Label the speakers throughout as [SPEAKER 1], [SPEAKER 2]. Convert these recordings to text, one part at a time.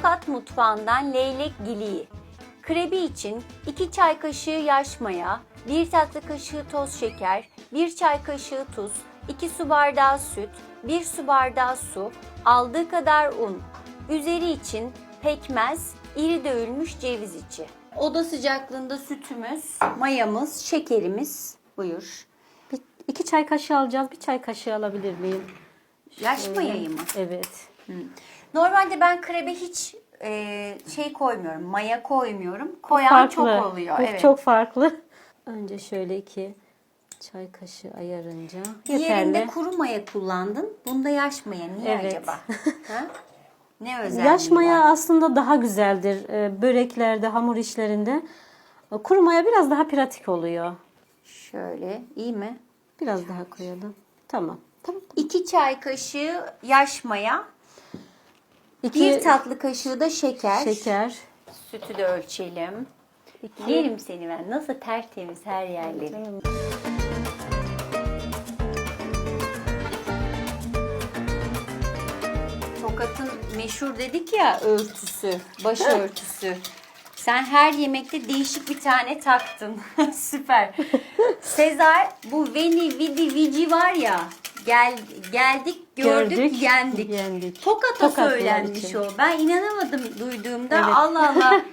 [SPEAKER 1] Tokat mutfağından leylek giliği. Krebi için 2 çay kaşığı yaş maya, 1 tatlı kaşığı toz şeker, 1 çay kaşığı tuz, 2 su bardağı süt, 1 su bardağı su, aldığı kadar un. Üzeri için pekmez, iri dövülmüş ceviz içi. Oda sıcaklığında sütümüz, mayamız, şekerimiz. Buyur.
[SPEAKER 2] 2 çay kaşığı alacağız. 1 çay kaşığı alabilir miyim?
[SPEAKER 1] Yaş mayayı mı?
[SPEAKER 2] Evet.
[SPEAKER 1] Normalde ben krebe hiç koymuyorum, maya koymuyorum. Koyan çok oluyor.
[SPEAKER 2] Bu
[SPEAKER 1] Evet.
[SPEAKER 2] çok farklı. Önce şöyle 2 çay kaşığı ayarınca
[SPEAKER 1] Diğerinde
[SPEAKER 2] yeterli.
[SPEAKER 1] kuru maya kullandın. Bunda yaş maya. Niye
[SPEAKER 2] Evet.
[SPEAKER 1] acaba? Ha? Ne özelliği
[SPEAKER 2] Yaş maya
[SPEAKER 1] var?
[SPEAKER 2] aslında daha güzeldir. Böreklerde, hamur işlerinde. Kuru maya biraz daha pratik oluyor.
[SPEAKER 1] Şöyle, iyi mi?
[SPEAKER 2] Biraz daha koyalım. Tamam. Tamam.
[SPEAKER 1] 2 çay kaşığı yaş maya, 1
[SPEAKER 2] 2
[SPEAKER 1] tatlı kaşığı da şeker.
[SPEAKER 2] şeker.
[SPEAKER 1] Sütü de ölçelim. Yerim seni ben. Nasıl tertemiz her yerleri. Tokat'ın meşhur dedik ya örtüsü, başörtüsü. Sen her yemekte değişik bir tane taktın. Süper. Sezar bu veni vidi vici var ya. Geldik, gördük, yendik. Tokat'a
[SPEAKER 2] Tokatlılar
[SPEAKER 1] söylenmiş
[SPEAKER 2] için.
[SPEAKER 1] o. Ben inanamadım duyduğumda.
[SPEAKER 2] Evet.
[SPEAKER 1] Allah Allah.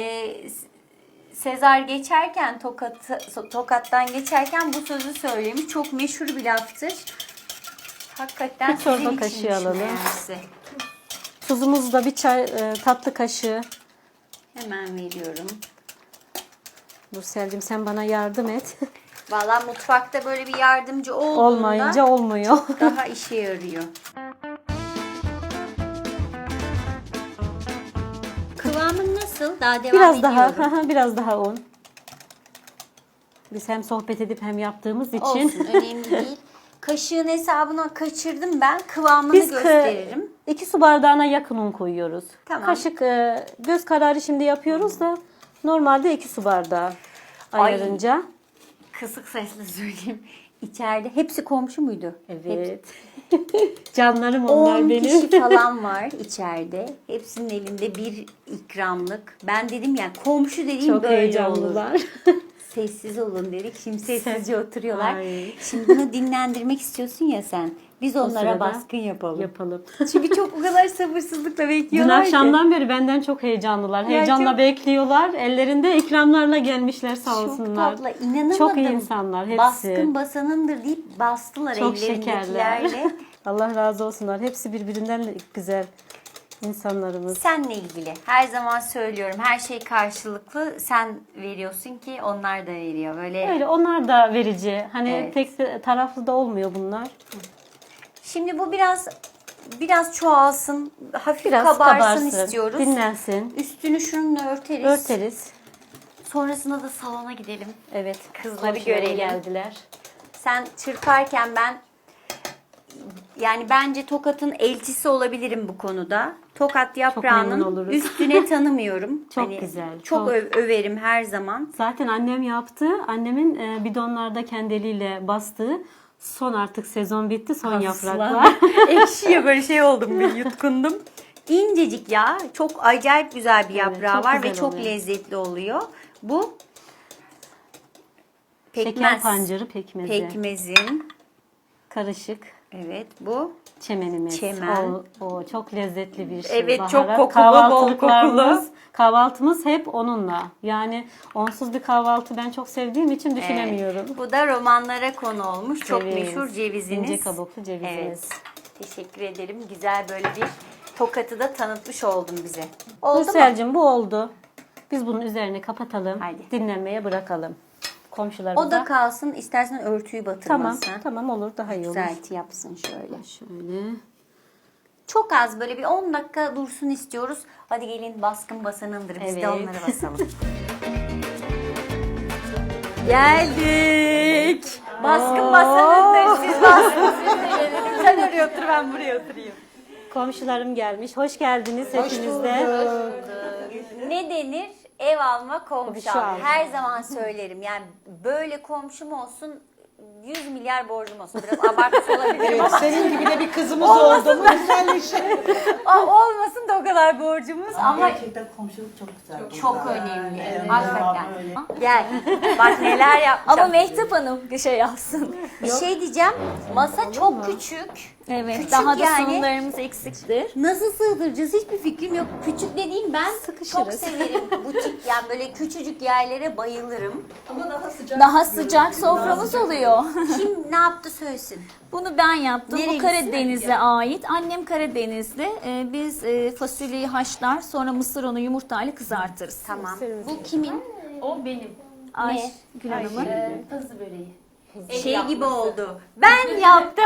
[SPEAKER 1] Sezar geçerken Tokat'tan geçerken bu sözü söylemiş. Çok meşhur bir laftır. Hakikaten
[SPEAKER 2] Bir çorba
[SPEAKER 1] sizin
[SPEAKER 2] kaşığı
[SPEAKER 1] içinmiş
[SPEAKER 2] alalım.
[SPEAKER 1] meğerse.
[SPEAKER 2] Tuzumuz da 1 çay tatlı kaşığı.
[SPEAKER 1] Hemen veriyorum.
[SPEAKER 2] Nursel'cim sen bana yardım et.
[SPEAKER 1] Vallahi mutfakta böyle bir yardımcı olduğunda
[SPEAKER 2] Olmayınca olmuyor.
[SPEAKER 1] daha işe yarıyor. Kıvamın nasıl? Daha devam
[SPEAKER 2] Biraz
[SPEAKER 1] ediyorum.
[SPEAKER 2] daha, biraz daha un. Biz hem sohbet edip hem yaptığımız için.
[SPEAKER 1] Olsun, önemli değil. Kaşığın hesabına kaçırdım ben. Kıvamını
[SPEAKER 2] Biz
[SPEAKER 1] gösteririm.
[SPEAKER 2] 2 su bardağına yakın un koyuyoruz.
[SPEAKER 1] Tamam.
[SPEAKER 2] Kaşık göz kararı şimdi yapıyoruz da normalde 2 su bardağı
[SPEAKER 1] Ay.
[SPEAKER 2] ayarınca.
[SPEAKER 1] Kısık sesle söyleyeyim. İçeride hepsi komşu muydu?
[SPEAKER 2] Evet. Canlarım onlar
[SPEAKER 1] 10
[SPEAKER 2] benim.
[SPEAKER 1] kişi falan var içeride. Hepsinin elinde bir ikramlık. Ben dedim ya komşu dediğim
[SPEAKER 2] Çok
[SPEAKER 1] böyle olur.
[SPEAKER 2] heyecanlılar.
[SPEAKER 1] Sessiz olun dedik. Şimdi sessizce oturuyorlar.
[SPEAKER 2] Ay.
[SPEAKER 1] Şimdi bunu dinlendirmek istiyorsun ya sen. Biz onlara
[SPEAKER 2] sırada
[SPEAKER 1] baskın yapalım.
[SPEAKER 2] Yapalım.
[SPEAKER 1] Çünkü çok o kadar sabırsızlıkla
[SPEAKER 2] Dün
[SPEAKER 1] bekliyorlar ki.
[SPEAKER 2] akşamdan beri benden çok heyecanlılar. Heyecanla
[SPEAKER 1] çok-
[SPEAKER 2] bekliyorlar. Ellerinde ikramlarla gelmişler sağ
[SPEAKER 1] Çok
[SPEAKER 2] olsunlar.
[SPEAKER 1] tatlı. İnanamadım.
[SPEAKER 2] Çok iyi insanlar hepsi.
[SPEAKER 1] Baskın basanındır deyip bastılar
[SPEAKER 2] Çok şekerler.
[SPEAKER 1] ellerindekilerle.
[SPEAKER 2] Allah razı olsunlar. Hepsi birbirinden güzel insanlarımız.
[SPEAKER 1] Senle ilgili her zaman söylüyorum, her şey karşılıklı. Sen veriyorsun ki onlar da veriyor. Böyle.
[SPEAKER 2] Öyle onlar da verici. Hani
[SPEAKER 1] Evet.
[SPEAKER 2] pek de taraflı da olmuyor bunlar.
[SPEAKER 1] Şimdi bu biraz çoğalsın, hafif
[SPEAKER 2] Biraz
[SPEAKER 1] kabarsın istiyoruz.
[SPEAKER 2] Dinlensin.
[SPEAKER 1] Üstünü şununla örteriz.
[SPEAKER 2] Örteriz.
[SPEAKER 1] Sonrasında da salona gidelim.
[SPEAKER 2] Evet.
[SPEAKER 1] Kızları
[SPEAKER 2] komşularım
[SPEAKER 1] görelim.
[SPEAKER 2] geldiler.
[SPEAKER 1] Sen çırparken yani bence Tokat'ın elçisi olabilirim bu konuda. Tokat
[SPEAKER 2] memnun
[SPEAKER 1] yaprağının
[SPEAKER 2] oluruz.
[SPEAKER 1] üstüne tanımıyorum.
[SPEAKER 2] Çok güzel,
[SPEAKER 1] Çok
[SPEAKER 2] çok.
[SPEAKER 1] överim her zaman.
[SPEAKER 2] Zaten annem yaptı. Annemin bidonlarda kendi eliyle bastığı son artık sezon bitti. Son yapraklar.
[SPEAKER 1] Ekşiye böyle şey oldum bir yutkundum. İncecik ya. Çok acayip güzel bir yaprağı
[SPEAKER 2] çok
[SPEAKER 1] var
[SPEAKER 2] güzel
[SPEAKER 1] ve çok
[SPEAKER 2] oluyor.
[SPEAKER 1] lezzetli oluyor. Bu
[SPEAKER 2] Şeker pancarı pekmezi.
[SPEAKER 1] Pekmezin.
[SPEAKER 2] Karışık.
[SPEAKER 1] Evet bu.
[SPEAKER 2] Çemenimiz.
[SPEAKER 1] Çemen.
[SPEAKER 2] O çok lezzetli bir şey.
[SPEAKER 1] Evet, çok
[SPEAKER 2] Baharat.
[SPEAKER 1] kokulu, bol
[SPEAKER 2] Kahvaltılıklarımız,
[SPEAKER 1] kokulu.
[SPEAKER 2] Kahvaltımız hep onunla. Yani onsuz bir kahvaltı ben çok sevdiğim için düşünemiyorum.
[SPEAKER 1] Bu da romanlara konu olmuş. Çok
[SPEAKER 2] Ceviz,
[SPEAKER 1] meşhur ceviziniz.
[SPEAKER 2] ince kabuklu cevizimiz.
[SPEAKER 1] Evet. Teşekkür ederim. Güzel böyle bir Tokat'ı da tanıtmış oldun bize. Oldu mu?
[SPEAKER 2] Nursel'cim bu oldu. Biz bunun üzerine kapatalım.
[SPEAKER 1] Haydi.
[SPEAKER 2] Dinlenmeye bırakalım. Komşularımıza.
[SPEAKER 1] O da kalsın. İstersen örtüyü
[SPEAKER 2] Tamam,
[SPEAKER 1] batırmazsan.
[SPEAKER 2] tamam olur daha iyi olur.
[SPEAKER 1] Güzelti yapsın şöyle.
[SPEAKER 2] Şöyle.
[SPEAKER 1] Çok az böyle bir 10 dakika dursun istiyoruz. Hadi gelin baskın basanındır. Biz de
[SPEAKER 2] Evet.
[SPEAKER 1] onları basalım. Geldik. Baskın basanındır. Siz baskın dedim. Sen oraya otur, ben buraya oturayım.
[SPEAKER 2] Komşularım gelmiş. Hoş geldiniz hepiniz de.
[SPEAKER 1] Ne denir? Ev alma, komşu
[SPEAKER 2] Komşu
[SPEAKER 1] alma.
[SPEAKER 2] alma.
[SPEAKER 1] Her zaman söylerim. Yani böyle komşum olsun, 100 milyar borcum olsun. Biraz abartı olabilir ama
[SPEAKER 3] Senin gibi de bir kızımız oldu mu güzel bir şey.
[SPEAKER 1] olmasın o kadar borcumuz ama
[SPEAKER 3] Gerçekten komşuluk çok güzel.
[SPEAKER 1] çok
[SPEAKER 3] burada.
[SPEAKER 1] önemli.
[SPEAKER 3] Evet,
[SPEAKER 1] Hakikaten.
[SPEAKER 3] öyle.
[SPEAKER 1] Gel. Bak neler yapacağım.
[SPEAKER 4] Ama Mehtap Hanım bir şey yapsın.
[SPEAKER 1] Bir şey diyeceğim. Masa çok küçük.
[SPEAKER 4] Evet.
[SPEAKER 1] Küçük
[SPEAKER 4] daha da
[SPEAKER 1] yani.
[SPEAKER 4] sunumlarımız eksiktir.
[SPEAKER 1] Nasıl sığdıracağız hiçbir fikrim yok. Küçük dediğim ben çok
[SPEAKER 4] Sıkışırız.
[SPEAKER 1] severim. Butik yani böyle küçücük yerlere bayılırım.
[SPEAKER 4] Daha sıcak soframız oluyor.
[SPEAKER 1] Kim ne yaptı söylesin.
[SPEAKER 4] Bunu ben yaptım.
[SPEAKER 1] Nereye
[SPEAKER 4] Bu Karadeniz'e ait. Annem Karadenizli. Biz fasulyeyi haşlar, sonra mısır unu yumurtayla kızartırız.
[SPEAKER 1] Tamam. Bu kimin?
[SPEAKER 5] O benim.
[SPEAKER 4] Ay, Gül Hanım'ın.
[SPEAKER 5] Pazı böreği.
[SPEAKER 1] Şey gibi oldu. Ben yaptım.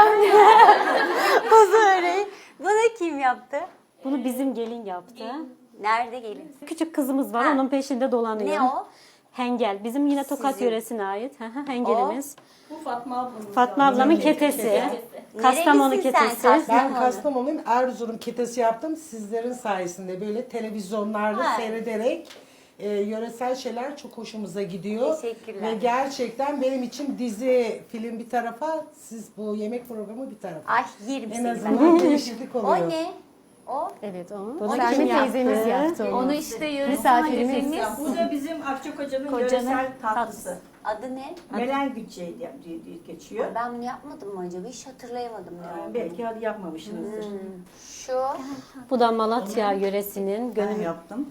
[SPEAKER 1] Bu böreği. Bunu kim yaptı?
[SPEAKER 2] Bunu bizim gelin yaptı.
[SPEAKER 1] Nerede gelin?
[SPEAKER 2] Küçük kızımız var,
[SPEAKER 1] Ha.
[SPEAKER 2] onun peşinde dolanıyor.
[SPEAKER 1] Ne o?
[SPEAKER 2] Hengel. Bizim yine Tokat
[SPEAKER 1] Sizin.
[SPEAKER 2] yöresine ait. Hı hı, Hengelimiz.
[SPEAKER 5] Bu Fatma ablamın.
[SPEAKER 2] Fatma ablamın ketesi. Kastamonu
[SPEAKER 1] Nerelisin sen?
[SPEAKER 2] ketesi.
[SPEAKER 1] Kastamonu.
[SPEAKER 6] Ben Kastamonu'yum. Erzurum ketesi yaptım. Sizlerin sayesinde böyle televizyonlarda
[SPEAKER 1] Ha.
[SPEAKER 6] seyrederek yöresel şeyler çok hoşumuza gidiyor.
[SPEAKER 1] Teşekkürler.
[SPEAKER 6] Ve gerçekten benim için dizi, film bir tarafa, siz bu yemek programı bir tarafa.
[SPEAKER 1] Ay yerim
[SPEAKER 6] En
[SPEAKER 1] seni.
[SPEAKER 6] azından değişiklik oluyor.
[SPEAKER 1] O ne? O?
[SPEAKER 2] Evet o.
[SPEAKER 1] O
[SPEAKER 2] Bunu
[SPEAKER 1] Selmi
[SPEAKER 2] kim yaptı?
[SPEAKER 5] teyzemiz yaptı onu.
[SPEAKER 4] Onu işte yöresel
[SPEAKER 5] Misafirimiz.
[SPEAKER 4] halifemiz.
[SPEAKER 3] Bu da bizim Akçakoca'nın
[SPEAKER 4] Kocanın
[SPEAKER 3] yöresel tatlısı.
[SPEAKER 1] Adı ne?
[SPEAKER 3] Melen gütçeği diye geçiyor.
[SPEAKER 1] Ben bunu yapmadım mı acaba? Hiç hatırlayamadım ya.
[SPEAKER 3] Belki hadi yapmamışsınızdır.
[SPEAKER 1] Şu.
[SPEAKER 2] Bu da Malatya yöresinin
[SPEAKER 3] Ben
[SPEAKER 2] gönül.
[SPEAKER 3] yaptım.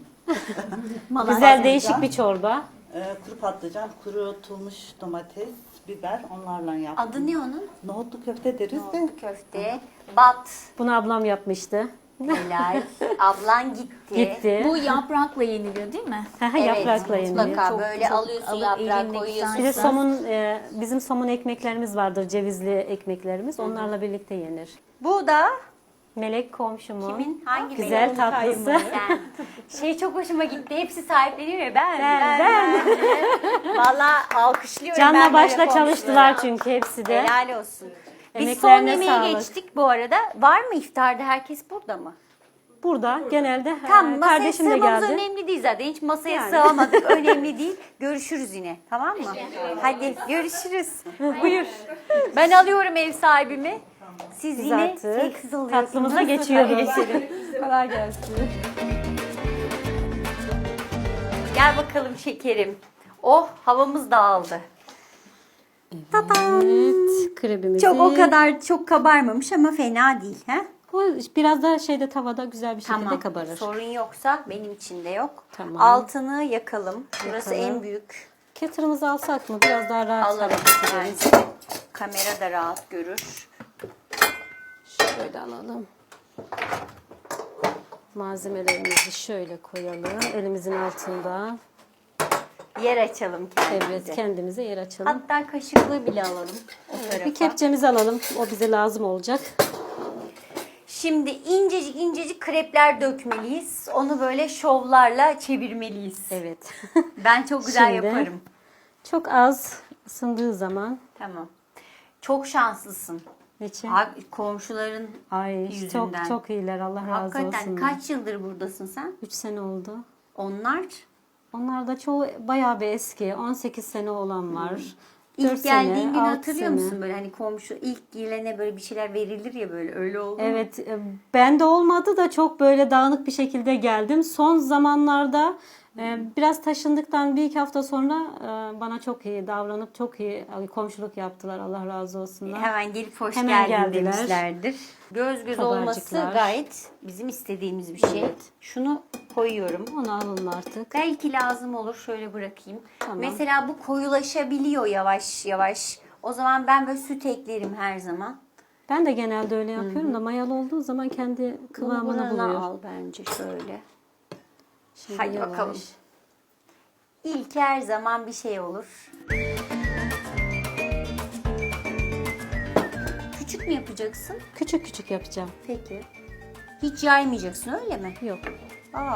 [SPEAKER 2] Güzel değişik bir çorba.
[SPEAKER 3] Kuru patlıcan, kurutulmuş domates, biber onlarla yaptım.
[SPEAKER 1] Adı ne onun?
[SPEAKER 3] Nohutlu köfte deriz de.
[SPEAKER 1] Köfte. Bat.
[SPEAKER 2] Bunu ablam yapmıştı.
[SPEAKER 1] Helal. Ablan gitti.
[SPEAKER 2] Gitti.
[SPEAKER 4] Bu yaprakla yeniliyor değil mi?
[SPEAKER 2] Hı hı, yaprakla yeniliyor.
[SPEAKER 1] Mutlaka
[SPEAKER 4] Çok-
[SPEAKER 1] böyle
[SPEAKER 4] çok
[SPEAKER 1] alıyorsun
[SPEAKER 4] alıp
[SPEAKER 1] yaprağı
[SPEAKER 4] elindeki
[SPEAKER 1] koyuyorsun.
[SPEAKER 2] Bir de
[SPEAKER 4] Sen-
[SPEAKER 2] somun, bizim somun ekmeklerimiz vardır, cevizli ekmeklerimiz. Onlarla birlikte yenir.
[SPEAKER 1] Bu da
[SPEAKER 2] Melek komşumun
[SPEAKER 1] kimin? Hangi
[SPEAKER 2] güzel
[SPEAKER 1] melek?
[SPEAKER 2] tatlısı.
[SPEAKER 1] Sen. Şey çok hoşuma gitti. Hepsi sahipleniyor ya. Ben. Valla alkışlıyorum.
[SPEAKER 2] Canla
[SPEAKER 1] ben
[SPEAKER 2] başla
[SPEAKER 1] böyle
[SPEAKER 2] çalıştılar
[SPEAKER 1] komşulara.
[SPEAKER 2] çünkü hepsi de.
[SPEAKER 1] Helal olsun. Biz son
[SPEAKER 2] Emeklerine
[SPEAKER 1] yemeğe
[SPEAKER 2] sağlık.
[SPEAKER 1] geçtik bu arada. Var mı iftarda? Herkes burada mı?
[SPEAKER 2] Burada genelde
[SPEAKER 1] Tamam, masaya
[SPEAKER 2] kardeşim de
[SPEAKER 1] sığmamız
[SPEAKER 2] geldi.
[SPEAKER 1] önemli değil zaten. Hiç masaya
[SPEAKER 2] Yani.
[SPEAKER 1] sığamadık. Önemli değil. Görüşürüz yine. Tamam mı? Hadi görüşürüz. Buyur. Ben alıyorum ev sahibimi. Siz
[SPEAKER 2] Biz
[SPEAKER 1] yine
[SPEAKER 2] artık
[SPEAKER 1] sessiz oluyorsunuz.
[SPEAKER 2] tatlımıza geçiyoruz.
[SPEAKER 1] Kolay gelsin. Gel bakalım şekerim. Oh havamız dağıldı.
[SPEAKER 2] Evet, krebimizi.
[SPEAKER 1] Çok o kadar çok kabarmamış ama fena değil. He?
[SPEAKER 2] O biraz da şeyde tavada güzel bir şekilde kabarır.
[SPEAKER 1] Sorun yoksa benim için de yok.
[SPEAKER 2] Tamam.
[SPEAKER 1] Altını yakalım. Burası
[SPEAKER 2] Yakalım.
[SPEAKER 1] en büyük.
[SPEAKER 2] Kettle'ımızı alsak mı? Biraz daha rahat
[SPEAKER 1] Alalım.
[SPEAKER 2] hareket ederiz.
[SPEAKER 1] Bence. Kamera da rahat görür.
[SPEAKER 2] Şöyle alalım. Malzemelerimizi şöyle koyalım. Elimizin altında.
[SPEAKER 1] Yer açalım kendimize.
[SPEAKER 2] Evet, kendimize yer açalım.
[SPEAKER 1] Hatta kaşıklığı bile alalım o tarafa.
[SPEAKER 2] Bir kepçemizi alalım. O bize lazım olacak.
[SPEAKER 1] Şimdi incecik incecik krepler dökmeliyiz. Onu böyle şovlarla çevirmeliyiz.
[SPEAKER 2] Evet.
[SPEAKER 1] Ben çok güzel
[SPEAKER 2] Şimdi-
[SPEAKER 1] yaparım.
[SPEAKER 2] Çok az ısındığı zaman.
[SPEAKER 1] Tamam. Çok şanslısın.
[SPEAKER 2] Niçin?
[SPEAKER 1] Komşuların
[SPEAKER 2] Ay
[SPEAKER 1] yüzünden.
[SPEAKER 2] çok çok iyiler. Allah razı
[SPEAKER 1] Hakikaten
[SPEAKER 2] olsun.
[SPEAKER 1] kaç yıldır buradasın sen?
[SPEAKER 2] 3 sene oldu.
[SPEAKER 1] Onlar
[SPEAKER 2] Onlar da çoğu bayağı bir eski. 18 sene olan var.
[SPEAKER 1] ilk
[SPEAKER 2] 4
[SPEAKER 1] geldiğin
[SPEAKER 2] sene,
[SPEAKER 1] günü
[SPEAKER 2] 6
[SPEAKER 1] hatırlıyor
[SPEAKER 2] sene.
[SPEAKER 1] musun? Böyle hani komşu ilk gelene böyle bir şeyler verilir ya böyle öyle oldu mu?
[SPEAKER 2] Evet, ben de olmadı da çok böyle dağınık bir şekilde geldim. Son zamanlarda biraz taşındıktan bir iki hafta sonra bana çok iyi davranıp çok iyi komşuluk yaptılar. Allah razı olsunlar.
[SPEAKER 1] Hemen gelip hoş
[SPEAKER 2] Hemen
[SPEAKER 1] geldin
[SPEAKER 2] geldiler.
[SPEAKER 1] demişlerdir. Göz göz olması
[SPEAKER 2] Kabarcıklar.
[SPEAKER 1] gayet bizim istediğimiz bir şey. Şunu koyuyorum.
[SPEAKER 2] Onu alın artık.
[SPEAKER 1] Belki lazım olur. Şöyle bırakayım.
[SPEAKER 2] Tamam.
[SPEAKER 1] Mesela bu koyulaşabiliyor yavaş yavaş. O zaman ben böyle süt eklerim her zaman.
[SPEAKER 2] Ben de genelde öyle yapıyorum da mayalı olduğu zaman kendi kıvamını
[SPEAKER 1] Bunu
[SPEAKER 2] buluyor.
[SPEAKER 1] al bence şöyle.
[SPEAKER 2] Şimdi
[SPEAKER 1] Hadi
[SPEAKER 2] yavaş.
[SPEAKER 1] bakalım. İlk her zaman bir şey olur. Küçük mü yapacaksın?
[SPEAKER 2] Küçük küçük yapacağım.
[SPEAKER 1] Peki. Hiç yaymayacaksın öyle mi?
[SPEAKER 2] Yok.
[SPEAKER 1] Aa.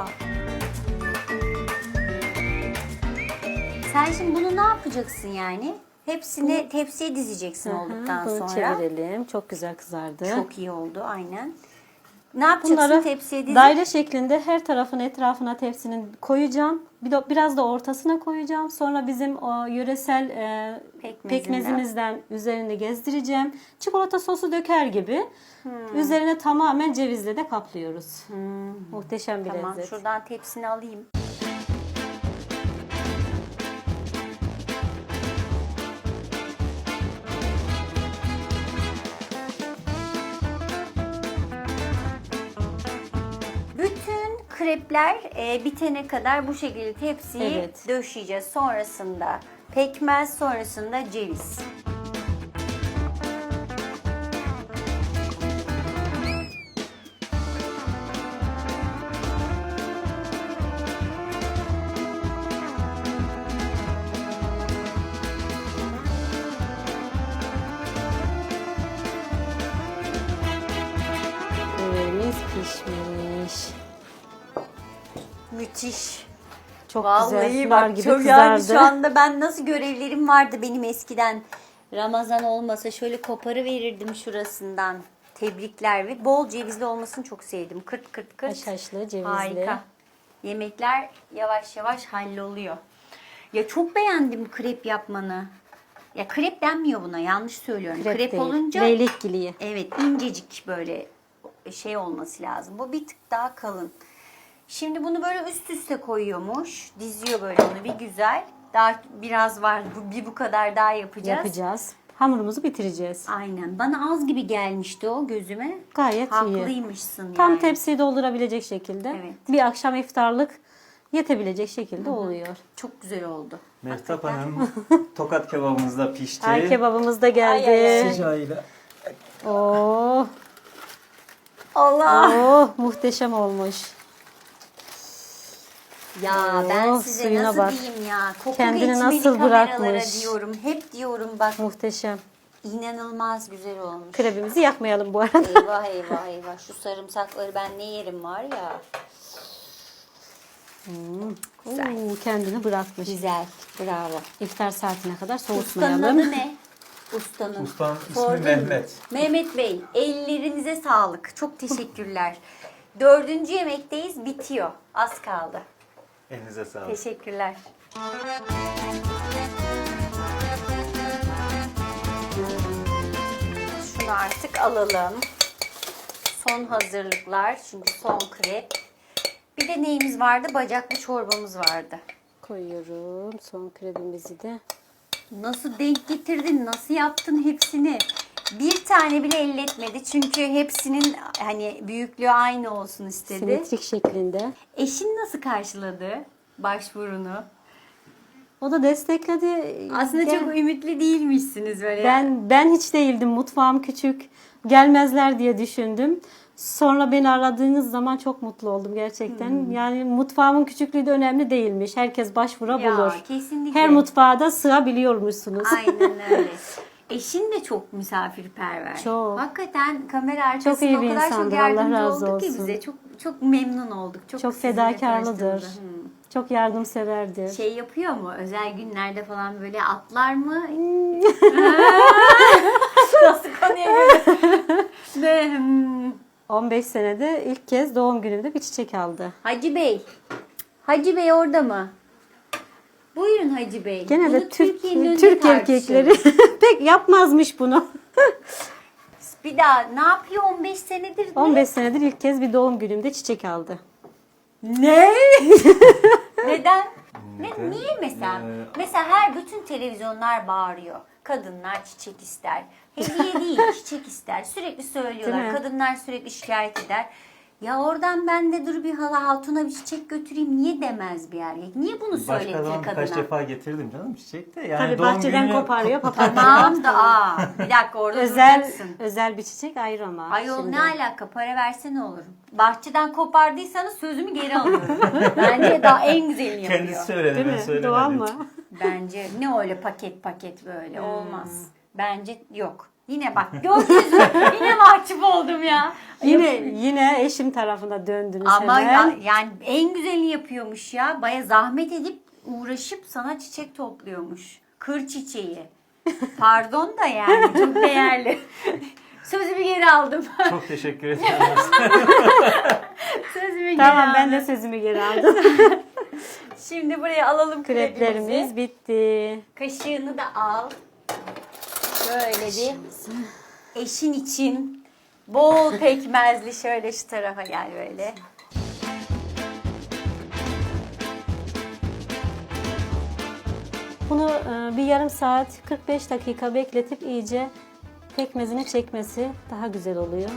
[SPEAKER 1] Sen şimdi bunu ne yapacaksın yani? Hepsini tepsiye dizeceksin olduktan
[SPEAKER 2] Bunu
[SPEAKER 1] sonra.
[SPEAKER 2] çevirelim. Çok güzel kızardı.
[SPEAKER 1] Çok iyi oldu aynen. Ne yapacaksın
[SPEAKER 2] Bunları
[SPEAKER 1] tepsiye dizip?
[SPEAKER 2] daire şeklinde her tarafın etrafına tepsinin koyacağım. Biraz da ortasına koyacağım. Sonra bizim o yöresel pekmezimizden üzerinde gezdireceğim. Çikolata sosu döker gibi. Üzerine tamamen cevizle de kaplıyoruz. Muhteşem bir
[SPEAKER 1] Tamam,
[SPEAKER 2] lezzet.
[SPEAKER 1] şuradan tepsini alayım. Bütün krepler bitene kadar bu şekilde tepsiyi
[SPEAKER 2] Evet.
[SPEAKER 1] döşeyeceğiz. Sonrasında pekmez, sonrasında ceviz.
[SPEAKER 2] Böreğimiz pişmiş.
[SPEAKER 1] Müthiş.
[SPEAKER 2] Çok
[SPEAKER 1] Vallahi
[SPEAKER 2] güzel.
[SPEAKER 1] bak
[SPEAKER 2] Nar gibi
[SPEAKER 1] çok yani
[SPEAKER 2] kızardı.
[SPEAKER 1] şu anda ben nasıl görevlerim vardı benim eskiden. Ramazan olmasa şöyle koparı verirdim şurasından. Tebrikler ve bol cevizli olmasını çok sevdim. Kırt kırt kırt.
[SPEAKER 2] Haşhaşlı, cevizli.
[SPEAKER 1] Harika. Yemekler yavaş yavaş halloluyor. Ya çok beğendim krep yapmanı. Ya krep denmiyor buna, yanlış söylüyorum. Krep
[SPEAKER 2] değil,
[SPEAKER 1] olunca
[SPEAKER 2] leylekgiliği.
[SPEAKER 1] evet, incecik böyle şey olması lazım. Bu bir tık daha kalın. Şimdi bunu böyle üst üste koyuyormuş. Diziyor böyle onu bir güzel. Daha biraz var. Bu kadar daha yapacağız.
[SPEAKER 2] Yapacağız. Hamurumuzu bitireceğiz.
[SPEAKER 1] Aynen. Bana az gibi gelmişti o gözüme.
[SPEAKER 2] Gayet iyi.
[SPEAKER 1] Haklıymışsın
[SPEAKER 2] Tam
[SPEAKER 1] yani.
[SPEAKER 2] tepsiyi doldurabilecek şekilde.
[SPEAKER 1] Evet.
[SPEAKER 2] Bir akşam iftarlık yetebilecek şekilde oluyor.
[SPEAKER 1] Çok güzel oldu.
[SPEAKER 7] Mehtap Hanım, tokat kebabımız da pişti.
[SPEAKER 2] Ay kebabımız da geldi.
[SPEAKER 1] Ay, ay, ay.
[SPEAKER 7] Sıcağıyla.
[SPEAKER 2] Oh,
[SPEAKER 1] Allah!
[SPEAKER 2] oh muhteşem olmuş.
[SPEAKER 1] Ya ben
[SPEAKER 2] Oh,
[SPEAKER 1] size
[SPEAKER 2] suyuna
[SPEAKER 1] nasıl
[SPEAKER 2] bak.
[SPEAKER 1] diyeyim ya. Koku
[SPEAKER 2] Kendini
[SPEAKER 1] geçmeli
[SPEAKER 2] nasıl
[SPEAKER 1] kameralara
[SPEAKER 2] bırakmış.
[SPEAKER 1] diyorum. Hep diyorum bak,
[SPEAKER 2] Muhteşem.
[SPEAKER 1] inanılmaz güzel olmuş.
[SPEAKER 2] Krebimizi yakmayalım bu arada.
[SPEAKER 1] Eyvah eyvah eyvah. Şu sarımsakları ben ne yerim var ya.
[SPEAKER 2] Oo, kendini bırakmış.
[SPEAKER 1] Güzel. Bravo.
[SPEAKER 2] İftar saatine kadar
[SPEAKER 1] Ustanın
[SPEAKER 2] soğutmayalım.
[SPEAKER 1] adı ne? Ustanın.
[SPEAKER 7] Ustanın ismi
[SPEAKER 1] Sordun mu?
[SPEAKER 7] Mehmet.
[SPEAKER 1] Mehmet Bey, ellerinize sağlık. Çok teşekkürler. 4. yemekteyiz. Bitiyor. Az kaldı.
[SPEAKER 7] Elinize sağlık.
[SPEAKER 1] Teşekkürler. Şunu artık alalım. Son hazırlıklar. Çünkü son krep. Bir de neyimiz vardı? Bacaklı çorbamız vardı.
[SPEAKER 2] Koyuyorum son krebimizi de.
[SPEAKER 1] Nasıl denk getirdin? Nasıl yaptın hepsini? Bir tane bile elletmedi. Çünkü hepsinin hani büyüklüğü aynı olsun istedi.
[SPEAKER 2] Simetrik şeklinde.
[SPEAKER 1] Eşin nasıl karşıladı başvurunu?
[SPEAKER 2] O da destekledi.
[SPEAKER 1] Aslında
[SPEAKER 2] Gel-
[SPEAKER 1] çok ümitli değilmişsiniz böyle.
[SPEAKER 2] Ben hiç değildim. Mutfağım küçük. Gelmezler diye düşündüm. Sonra beni aradığınız zaman çok mutlu oldum gerçekten. Yani mutfağımın küçüklüğü de önemli değilmiş. Herkes başvura
[SPEAKER 1] Ya,
[SPEAKER 2] bulur.
[SPEAKER 1] kesinlikle.
[SPEAKER 2] Her mutfağa da sığabiliyormuşsunuz.
[SPEAKER 1] Aynen öyle. Eşin de çok misafirperver.
[SPEAKER 2] Çok.
[SPEAKER 1] Hakikaten kamera arkasında
[SPEAKER 2] Çok iyi
[SPEAKER 1] o
[SPEAKER 2] bir
[SPEAKER 1] kadar çok
[SPEAKER 2] insandır, Allah
[SPEAKER 1] yardımcı
[SPEAKER 2] razı
[SPEAKER 1] oldu ki
[SPEAKER 2] olsun.
[SPEAKER 1] bize. Çok memnun olduk.
[SPEAKER 2] Çok
[SPEAKER 1] sizinle
[SPEAKER 2] fedakarlıdır.
[SPEAKER 1] tanıştığımıza.
[SPEAKER 2] Çok yardımseverdir.
[SPEAKER 1] Şey yapıyor mu? Özel günlerde falan böyle atlar mı? Nasıl konuya göre? Ve
[SPEAKER 2] 15 senede ilk kez doğum günümde bir çiçek aldı.
[SPEAKER 1] Hacı Bey. Hacı Bey orada mı? Buyurun Hacı Bey.
[SPEAKER 2] Gene de
[SPEAKER 1] Bunu Türkiye'nin önünde
[SPEAKER 2] Türk
[SPEAKER 1] tartışalım.
[SPEAKER 2] erkekleri pek yapmazmış bunu.
[SPEAKER 1] Bir daha ne yapıyor 15 senedir?
[SPEAKER 2] 15 senedir ilk kez bir doğum günümde çiçek aldı.
[SPEAKER 1] Ne? Neden? Niye mesela? Mesela bütün televizyonlar bağırıyor. Kadınlar çiçek ister. Hediye değil, çiçek ister. Sürekli söylüyorlar.
[SPEAKER 2] Değil mi?
[SPEAKER 1] Kadınlar sürekli şikayet eder. Ya oradan ben de dur bir hatuna bir çiçek götüreyim. Niye demez bir erkek? Niye bunu
[SPEAKER 7] Başka
[SPEAKER 1] söyletir
[SPEAKER 7] zaman birkaç
[SPEAKER 1] kadına?
[SPEAKER 7] defa getirdim canım çiçek de. Yani
[SPEAKER 2] Tabii
[SPEAKER 7] doğum
[SPEAKER 2] bahçeden
[SPEAKER 7] günü-
[SPEAKER 2] koparıyor papatya.
[SPEAKER 1] Tamam da bir dakika orada duracaksın.
[SPEAKER 2] Özel bir çiçek ayrı ama.
[SPEAKER 1] Ayol
[SPEAKER 2] şimdi.
[SPEAKER 1] ne alaka, para verse ne olur? Bahçeden kopardıysanız sözümü geri alıyorum. Bence daha en güzelini yapıyor.
[SPEAKER 7] Kendisi söyledi,
[SPEAKER 2] Değil
[SPEAKER 7] ben
[SPEAKER 2] mi?
[SPEAKER 7] söylemedim.
[SPEAKER 2] Doğal mı?
[SPEAKER 1] Bence ne öyle paket böyle olmaz. Bence yok. Yine bak gördünüz mü? Yine mahcup oldum ya.
[SPEAKER 2] Yine eşim tarafına döndünüz
[SPEAKER 1] Ama
[SPEAKER 2] hemen.
[SPEAKER 1] yani en güzelini yapıyormuş ya. Baya zahmet edip uğraşıp sana çiçek topluyormuş. Kır çiçeği. Pardon da yani çok değerli. Sözümü geri aldım.
[SPEAKER 7] Çok teşekkür ederim.
[SPEAKER 1] Sözümü geri
[SPEAKER 2] Tamam, ben
[SPEAKER 1] aldım.
[SPEAKER 2] de sözümü geri aldım.
[SPEAKER 1] Şimdi buraya alalım kreplerimizi.
[SPEAKER 2] Kreplerimiz bitti.
[SPEAKER 1] Kaşığını da al. Şöyle bir eşin için bol pekmezli, şöyle şu tarafa gel böyle.
[SPEAKER 2] Bunu bir yarım saat 45 dakika bekletip iyice pekmezini çekmesi daha güzel oluyor.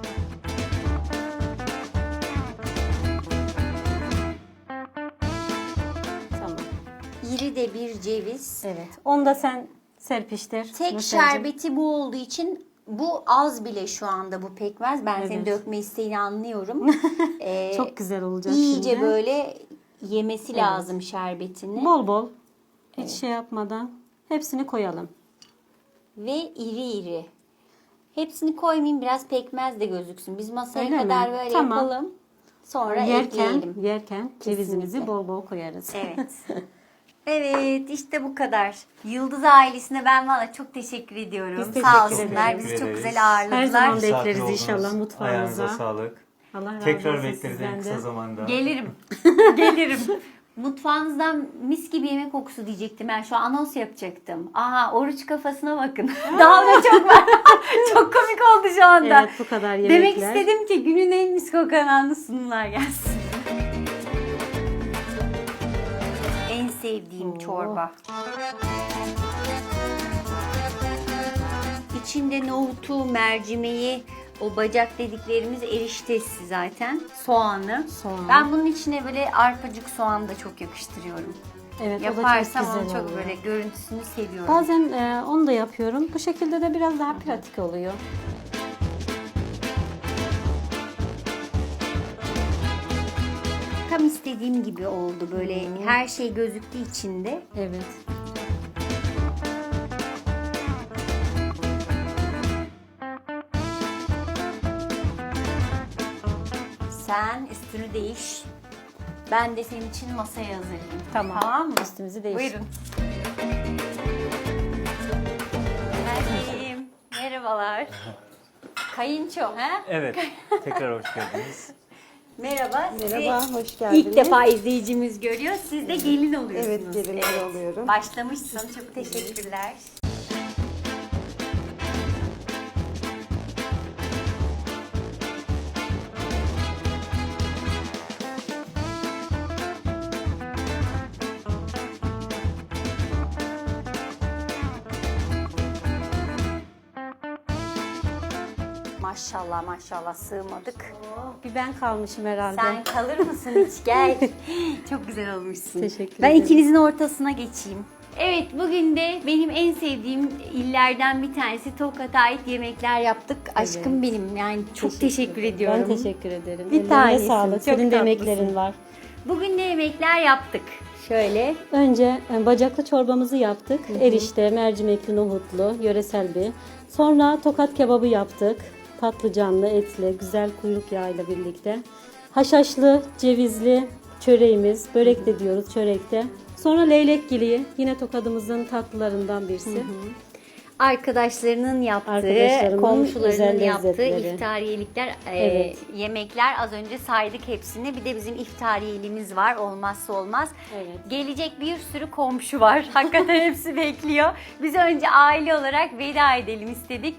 [SPEAKER 2] Tamam.
[SPEAKER 1] İri de bir ceviz.
[SPEAKER 2] Evet. Onu da sen serpiştir.
[SPEAKER 1] Tek
[SPEAKER 2] Nursel'cim.
[SPEAKER 1] şerbeti bu olduğu için bu az bile şu anda bu pekmez. Ben senin
[SPEAKER 2] Evet.
[SPEAKER 1] dökme isteğini anlıyorum.
[SPEAKER 2] Çok güzel olacak
[SPEAKER 1] İyice
[SPEAKER 2] şimdi.
[SPEAKER 1] böyle yemesi lazım şerbetini.
[SPEAKER 2] Bol bol. Hiç şey yapmadan hepsini koyalım.
[SPEAKER 1] Ve iri iri. Hepsini koymayayım, biraz pekmez de gözüksün. Biz masaya
[SPEAKER 2] Öyle
[SPEAKER 1] kadar
[SPEAKER 2] mi?
[SPEAKER 1] böyle
[SPEAKER 2] Tamam.
[SPEAKER 1] yapalım. Sonra ekleyelim.
[SPEAKER 2] Yerken cevizimizi
[SPEAKER 1] Kesinlikle.
[SPEAKER 2] bol bol koyarız.
[SPEAKER 1] Evet. Evet, işte bu kadar. Yıldız ailesine ben valla çok teşekkür ediyorum.
[SPEAKER 2] Biz teşekkür
[SPEAKER 1] Sağ olsunlar.
[SPEAKER 2] ederiz.
[SPEAKER 1] Bizi çok
[SPEAKER 7] Ederiz.
[SPEAKER 1] güzel ağırladılar.
[SPEAKER 2] Her zaman
[SPEAKER 7] Misafir
[SPEAKER 2] bekleriz
[SPEAKER 7] oldunuz.
[SPEAKER 2] inşallah mutfağınıza.
[SPEAKER 7] Ayağınıza sağlık.
[SPEAKER 2] Allah razı
[SPEAKER 7] Tekrar
[SPEAKER 2] olsun
[SPEAKER 7] bekleriz en
[SPEAKER 2] sizden
[SPEAKER 7] kısa
[SPEAKER 2] de.
[SPEAKER 7] zamanda.
[SPEAKER 1] Gelirim. Gelirim. Mutfağınızdan mis gibi yemek kokusu diyecektim. Ben şu an anons yapacaktım. Aha, oruç kafasına bakın. Daha da çok var. Çok komik oldu şu anda.
[SPEAKER 2] Evet, bu kadar yemekler.
[SPEAKER 1] Demek istedim ki günün en mis kokan anlı sunumlar gelsin. En sevdiğim çorba. İçinde nohutu, mercimeği, o bacak dediklerimiz eriştesi zaten. Soğanı.
[SPEAKER 2] Soğan.
[SPEAKER 1] Ben bunun içine böyle arpacık soğan da çok yakıştırıyorum.
[SPEAKER 2] Evet,
[SPEAKER 1] Yaparsam
[SPEAKER 2] o da çok
[SPEAKER 1] onu
[SPEAKER 2] güzel
[SPEAKER 1] çok
[SPEAKER 2] oluyor.
[SPEAKER 1] böyle görüntüsünü seviyorum.
[SPEAKER 2] Bazen onu da yapıyorum. Bu şekilde de biraz daha pratik oluyor.
[SPEAKER 1] Tam istediğim gibi oldu böyle her şey gözüktü içinde.
[SPEAKER 2] Evet.
[SPEAKER 1] Sen üstünü değiş. Ben de senin için masaya hazırlayayım.
[SPEAKER 2] Tamam.
[SPEAKER 1] Tamam mı?
[SPEAKER 2] Üstümüzü değiş.
[SPEAKER 1] Buyurun. Geldim. Merhabalar. Kayınço ha?
[SPEAKER 7] Evet. Tekrar hoş geldiniz.
[SPEAKER 1] Merhaba.
[SPEAKER 8] Merhaba,
[SPEAKER 1] Sizi
[SPEAKER 8] hoş geldiniz.
[SPEAKER 1] İlk defa izleyicimiz görüyor. Siz de gelin oluyorsunuz.
[SPEAKER 8] Evet, gelinler oluyorum.
[SPEAKER 1] Başlamışsın. Çok teşekkürler. Maşallah maşallah sığmadık.
[SPEAKER 2] Bir ben kalmışım herhalde.
[SPEAKER 1] Sen kalır mısın hiç? Gel. Çok güzel olmuşsun.
[SPEAKER 2] Teşekkür
[SPEAKER 1] Ben
[SPEAKER 2] ederim.
[SPEAKER 1] ikinizin ortasına geçeyim. Evet, bugün de benim en sevdiğim illerden bir tanesi Tokat'a ait yemekler yaptık. Aşkım benim, yani çok teşekkür ediyorum.
[SPEAKER 2] Ben teşekkür ederim.
[SPEAKER 1] Bir
[SPEAKER 2] Ellerine
[SPEAKER 1] tanesin,
[SPEAKER 2] sağlık.
[SPEAKER 1] çok
[SPEAKER 2] Senin de
[SPEAKER 1] tatlısın.
[SPEAKER 2] emeklerin var.
[SPEAKER 1] Bugün ne yemekler yaptık? Şöyle.
[SPEAKER 2] Önce bacaklı çorbamızı yaptık. Erişte, mercimekli, nohutlu, yöresel bir. Sonra tokat kebabı yaptık. Patlıcanlı, etli, güzel kuyruk yağıyla birlikte. Haşhaşlı, cevizli çöreğimiz, börek de diyoruz çörekte. Sonra leylekgili, yine tokadımızın tatlılarından birisi.
[SPEAKER 1] Arkadaşlarının yaptığı,
[SPEAKER 2] Arkadaşlarımın
[SPEAKER 1] komşularının
[SPEAKER 2] özel
[SPEAKER 1] yaptığı
[SPEAKER 2] lezzetleri.
[SPEAKER 1] iftariyelikler,
[SPEAKER 2] Evet.
[SPEAKER 1] yemekler. Az önce saydık hepsini. Bir de bizim iftariyelimiz var. Olmazsa olmaz.
[SPEAKER 2] Evet.
[SPEAKER 1] Gelecek bir sürü komşu var. Hakikaten hepsi bekliyor. Biz önce aile olarak veda edelim istedik.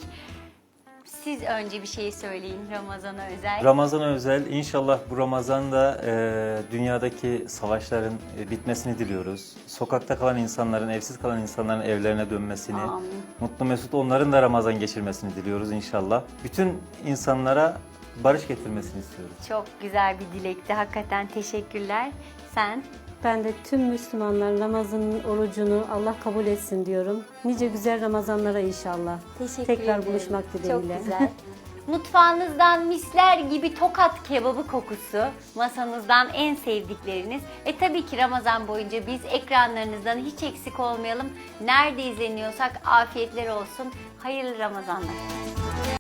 [SPEAKER 1] Siz önce bir şey söyleyin Ramazan'a özel.
[SPEAKER 7] Ramazan'a özel inşallah bu Ramazan'da dünyadaki savaşların bitmesini diliyoruz. Sokakta kalan insanların, evsiz kalan insanların evlerine dönmesini,
[SPEAKER 1] Amin.
[SPEAKER 7] mutlu mesut onların da Ramazan geçirmesini diliyoruz inşallah. Bütün insanlara barış getirmesini istiyoruz.
[SPEAKER 1] Çok güzel bir dilekti. Hakikaten teşekkürler. Sen?
[SPEAKER 2] Ben de tüm Müslümanların Ramazan'ın orucunu Allah kabul etsin diyorum. Nice güzel Ramazanlara inşallah.
[SPEAKER 1] Teşekkür
[SPEAKER 2] Tekrar
[SPEAKER 1] ederim.
[SPEAKER 2] buluşmak dileğiyle.
[SPEAKER 1] Çok güzel. Mutfağınızdan misler gibi tokat kebabı kokusu, masanızdan en sevdikleriniz ve tabii ki Ramazan boyunca biz ekranlarınızdan hiç eksik olmayalım. Nerede izleniyorsak afiyetler olsun. Hayırlı Ramazanlar.